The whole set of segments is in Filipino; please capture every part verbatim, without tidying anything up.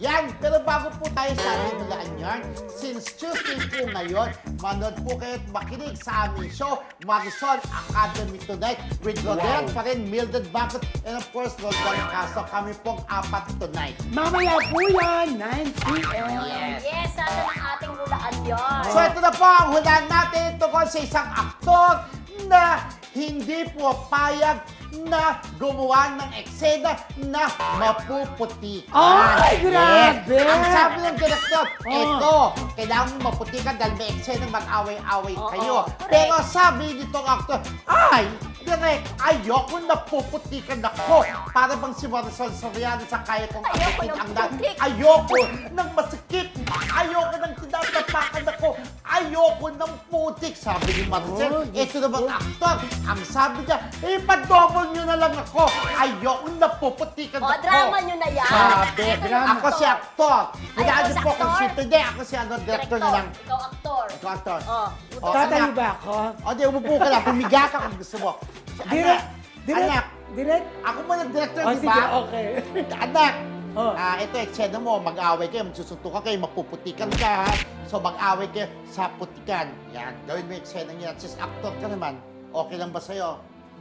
Yan, pero bago po tayo sa ating hulaan yan, since Tuesday po ngayon, manood po kayo at makinig sa aming show, Marisol Academy Tonight, with Rodel Wow. pa rin, Mildred Bacot, and of course, Rodel Caso. Kami pong apat tonight. Mamaya po yan, nine p m Yes. Yes, nasa ng ating hulaan yun. So ito na po ang hulaan natin tungkol sa isang aktor na hindi po payag na gumawa ng eksena na mapuputi. Ay, grabe! Yes. Ang sabi ng direktor, Oh. eto, kailangan mo maputi ka dahil may eksena mag-away-away Oo, kayo. correct. Pero sabi nitong aktor, ay, direct, ayoko napuputikan ako. Para bang si Marisol Soriano sa kaya kong Ayoko akitin ng ang lahat. putik. Ayoko ng masikip. Ayoko ng tinatapakan ako. Ayoko ng putik. Sabi ni Marcel. Oh, Ito naman aktor. Ang sabi niya, eh, pa-double nyo na lang ako. Ayoko napuputikan O, ako. drama nyo na yan. Sabi, Ito yung ako si aktor. Hulaan ikaw niyo si po kung aktor? sino. Hindi, ako si ano, director na lang. Ikaw aktor. Ikaw aktor. Oh, Oh, Tatayo anak. ba ako? O, di, umupo ka lang. Pumiga ka kung gusto mo. Direct, Anak, direct, anak, direct. ako mo ng director, Oh, di sige, ba? okay. Anak, Oh. ah, ito, eksena mo, mag-away kayo, magsusuntukan kayo, magpuputikan ka, ha? So, mag-away kayo sa putikan. Yan, gawin mo yung eksena niya. Since actor ka naman, okay lang ba sa'yo?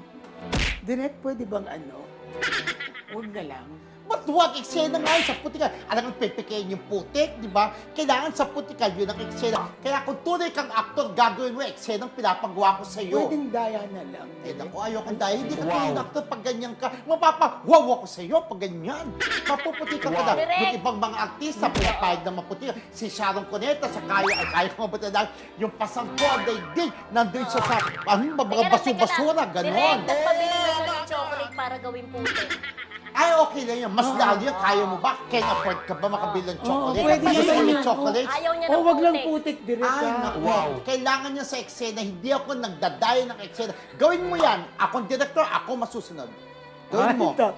Direct, pwede bang ano? Huwag na lang. Ba't huwag eksena nga yun sa putikan? Alam mo, pipikain yung putik, di ba? Kailangan sa putikan, yun ang eksena. Kaya kung tunay kang actor, gagawin mo eksena ang pinapagawa ko sa'yo. Pwedeng daya na lang. Eh, direct. naku, ayoko dahil hindi ka wow. actor pag ganyan ka. Mapapa-wow ako sa'yo pag ganyan. Mapuputi ka ka na. Direct. Yung ibang mga artista, pinapahid na maputi. Si Sharon Cuneta, sa kaya, ay kaya ko mabuti na yung pasang ko, ang daigdig, nandun siya sa, ano, mga Teka lang, basu-basura, teka lang. ganon. Direct, nagpabili mo siya ng chocolate para gawin puti. Ay, okay lang yan. Mas lalo yan. Kaya mo ba? Can afford ka ba makabili ng chocolate? Oo, pwede Gusto naman mo yun. yung chocolate? Ayaw niya ng Oh, wag lang putik. putik, direct. Ay, ah. naku. Kailangan niya sa eksena. Hindi ako nagdadayo ng eksena. Gawin mo yan. Akong director, ako masusunod. Gawin mo. Ay, ta-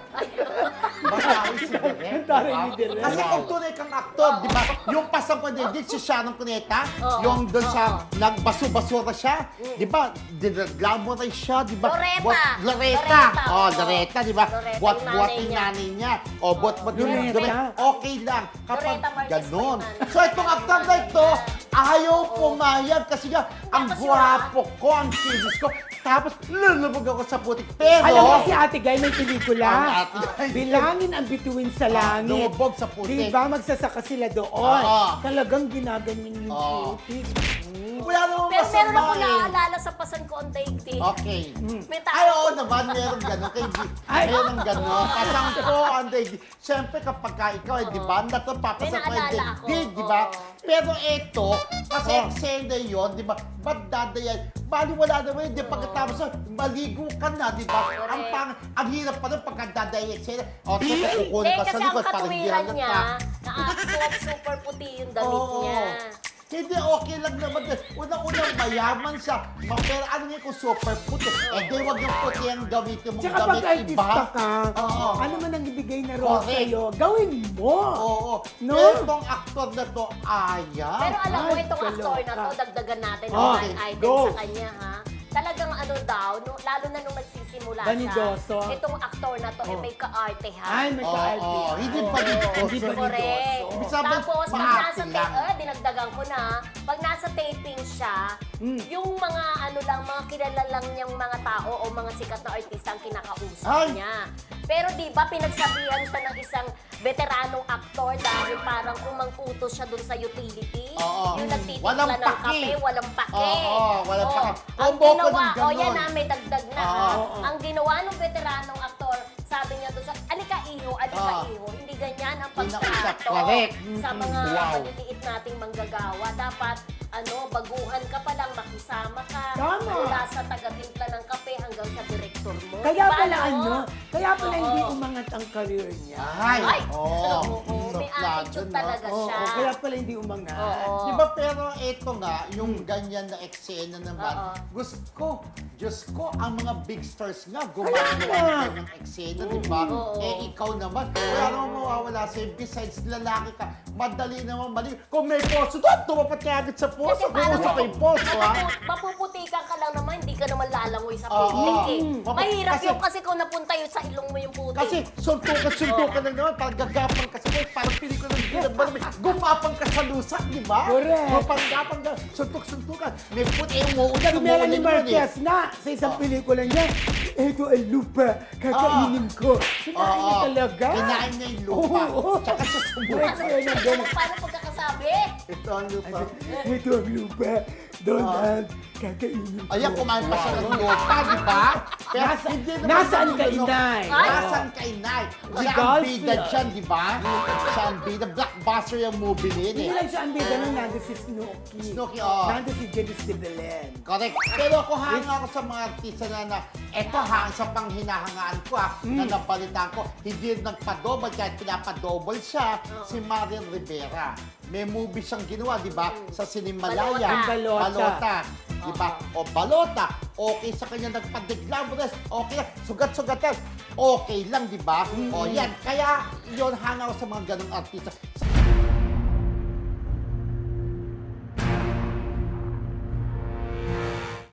Basawi si Direk. Ang taray ni Direk. Kasi Wow. kung tunay kang aktor, di ba? Yung pasang ko din, si Sharon Cuneta, Oo. yung doon sa Oo. nagbaso-basura siya, di ba? Dinaglamorize siya, di ba? Loretta. Buat- Loretta. Loretta, Oh, oo. Loretta, di ba? Loretta, Buat-buat yung yung nanay nanay niya. O, buat-buat yung Loretta. Loretta. Okay lang. Kapag Loretta Marquez ganon. pa yung nanay. So, itong aktor na ito, ayaw pumayag kasi nga, ang kasi gwapo ko, ang kinis ko. Tapos, lulubog ako sa putik. Pero, Alam mo si Ate Guy may pelikula. Ang Ate Guy. Bilangin ang bituin sa langit. lumubog sa putik. Di ba magsasaka sila doon? Oo. Talagang ginaganyan yung Oo. putik. Mm. Wala namang Pero meron masama ako eh. naaalala sa pasan ko ang daigdig. Okay. May Ay, tao. oo naman, meron gano'n. Kay G, Ay. meron gano'n. Pasang ko, ang daigdig. Siyempre, kapag ka ikaw, eh, di ba, nato papasang ko May yung naalala ako. daigdig, di ba? Oo. Pero ito, kasi Oo. eksena yun, di ba, ba't dadayan? Bali, wala naman, hindi pagkatapos, maligo ka na, di ba? Ang pang, ang hirap pa rin pagka dadayan yung eksena. O, sige, kukunin Hindi, ka sa kasi ang likod, parang hindi katuwiran halata. niya, na ah, super puti yung damit Oo. niya. Hindi, okay lang naman. Unang-unang mayaman siya. Ma- Pero ano nga kung super puti? Eh, di wag yung puti ang gamitin mong Tsaka gamit pag artista iba. ka, Oo. ano man ang ibigay na role Correct. sa'yo, gawin mo. Oo. No? Pero itong aktor na to, ayaw. Pero alam mo, Ay, itong actor na to, kaloka. dagdagan natin Okay, ang line item go. sa kanya, ha? Talagang ano daw, no, lalo na nung nagsisimula Vanidoso. siya, itong aktor na to, eh, Oh. may ka-arte, ha? Ay, may Oo, ka-arte. oo. Hindi Oo. pa din Hindi sponsor. ba Correct. Ibig sabihin, Tapos, pag maarte nasa, lang. ta- eh, dinagdagan ko na, pag nasa taping siya, Mm. yung mga ano lang, mga kilala lang niyang mga tao o mga sikat na artista ang kinakausap Ay! niya. Pero di ba pinagsabihan siya ng isang veteranong aktor dahil parang umang-utos siya dun sa utility. Oo. Yung nagtitimpla Walang ng paki. kape, walang pake. Oo, walang Oo. paki. Ang Combo ko ginawa, ng o ganon. yan na, may dagdag na. Oo. ha? Oo. Ang ginawa ng veteranong aktor, sabi niya doon sa, alika iho, alika Oo. iho. Hindi ganyan ang Pinausap, pagtrato correct. sa mga Wow. maliliit nating manggagawa. Dapat, ano, baguhan ka pa lang, makisama ka. Tama. Mula sa taga-timpla ng kape hanggang sa direktor mo. Kaya Diba, pala no? ano, kaya pala Oo. hindi umangat ang career niya. Ay, Ay! oo. Oo, may Suplado, attitude no? talaga Oo, siya. kaya pala hindi umangat. Oo. Di ba pero ito nga, yung ganyan na eksena naman, Oo. gusto ko, Diyos ko, ang mga big stars nga, gumagawa ng eksena, di ba? Oo. Eh, ikaw naman, wala namang mawawala sa'yo. Besides, lalaki ka, madali naman mali. Kung may poso doon, tumapat ka agad sa poso. Kung uso pa yung poso, ha? Mapuputikan ka lang naman, hindi ka naman lalangoy sa Oo. putik eh. Mm. Mahirap Kasi- yung kasi kung napunta yun sa ilong mo yung putik. Kasi suntukan-suntukan na naman, parang gagapang ka sa poso, parang pili ko ng ginagawa. Gumapang ka sa lusak, di ba? Correct. Gumapang-gapang ka, suntuk-suntukan. May puti, eh, umuulan, Si Melanie umuulan yun eh. Marquez na sa isang pelikula niya, ito ang lupa, kakainin ko. Kinain niya Oo. talaga. Kinain niya yung lupa. Oo. Tsaka siya sumulat. Correct sa'yo ng Paano, paano pagkakasabi? Ito ang lupa. Ito ang lupa, Donald, kakainin ko. Ayan, kumain pa siya ng lupa, di ba? Kaya Nasa- hindi naman nasaan ganun, ka, ano, Inay? Ay! Nasaan ka, Inay? Si Siya ang Dolphy. bida dyan, di ba? Siya ang bida. Blockbuster yung movie niya Hindi eh. lang siya ang bida nun, nandun si Snooki. Snooki, oo. Nandun si Janice de Belen. Correct. Pero ako hanga ako sa mga artista na na, eto ha, sa panghinahangaan ko ha, Mm. na napalitan ko, hindi nagpa-double, kahit pinapa-double siya, si Marian Rivera. May movie siyang ginawa, di ba? Sa Sinimalaya. Balota. Balota. Balota. Di ba? O Balota. Okay sa kanya nagpa-glamorous. Okay lang. Sugat-sugatan. Okay lang, di ba? O yan. Kaya, yon hanga ako sa mga ganong artista.